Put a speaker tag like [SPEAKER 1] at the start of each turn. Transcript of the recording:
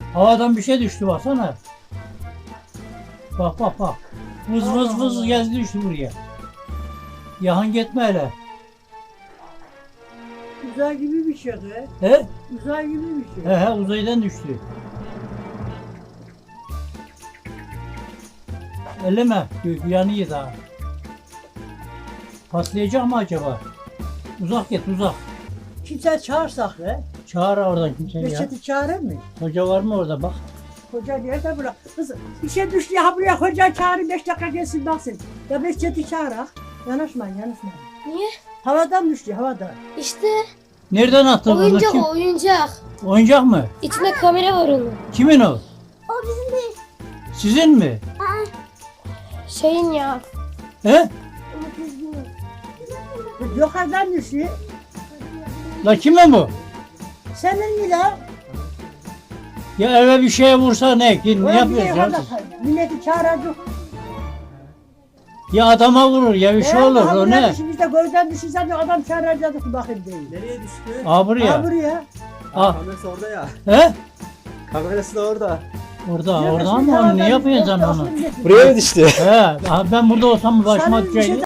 [SPEAKER 1] Havadan bir şey düştü baksana. Bak bak bak. Vız vız vız gezdi düştü buraya. Yahan gitme hele.
[SPEAKER 2] Uzay gibi bir şey be.
[SPEAKER 1] He?
[SPEAKER 2] Uzay gibi bir şey.
[SPEAKER 1] He uzaydan düştü. Elleme. Yanıyor daha. Patlayacak mı acaba? Uzak git uzak.
[SPEAKER 2] Kimse çağırsak be.
[SPEAKER 1] Çağır oradan kimseyi ya.
[SPEAKER 2] Reçeti çağırır mı?
[SPEAKER 1] Hoca var mı orada bak.
[SPEAKER 2] Hoca nerede bırak? Kız bir şey düştü ya buraya hoca çağırın 5 dakika gelsin baksın. Ya Reçeti çağırak. Yanaşmayın yanaşmayın.
[SPEAKER 3] Niye?
[SPEAKER 2] Havadan düştü havadan.
[SPEAKER 3] İşte
[SPEAKER 1] Nereden attın onu?
[SPEAKER 3] oyuncak
[SPEAKER 1] Kim?
[SPEAKER 3] o oyuncak.
[SPEAKER 1] Oyuncak mı?
[SPEAKER 3] İçinde kamera var onun.
[SPEAKER 1] Kimin o?
[SPEAKER 3] O bizim değil.
[SPEAKER 1] Sizin mi?
[SPEAKER 3] Şeyin ya.
[SPEAKER 1] He?
[SPEAKER 2] Yukarıdan düştü.
[SPEAKER 1] La kimin bu?
[SPEAKER 2] Senin mi la?
[SPEAKER 1] Ya eve bir şeye vursa ne? Ne
[SPEAKER 2] Ulan
[SPEAKER 1] yapıyorsun
[SPEAKER 2] niye
[SPEAKER 1] ya?
[SPEAKER 2] yukarıda- Milleti çağıracak.
[SPEAKER 1] Ya adama vurur ya bir şey olur o ne?
[SPEAKER 2] Biz de gözden düşürsen adam çağıracaktık bakayım değil.
[SPEAKER 4] Nereye düştü?
[SPEAKER 1] Aa buraya.
[SPEAKER 2] Ha buraya.
[SPEAKER 1] Aa.
[SPEAKER 4] Kamerası orada ya.
[SPEAKER 1] He?
[SPEAKER 4] Kamerası da orada.
[SPEAKER 1] Orada ama onu ne yapıyorsun sen onu?
[SPEAKER 4] Buraya mı düştü?
[SPEAKER 1] He, ben burada olsam başıma
[SPEAKER 2] Sana bir şey
[SPEAKER 1] düşecek.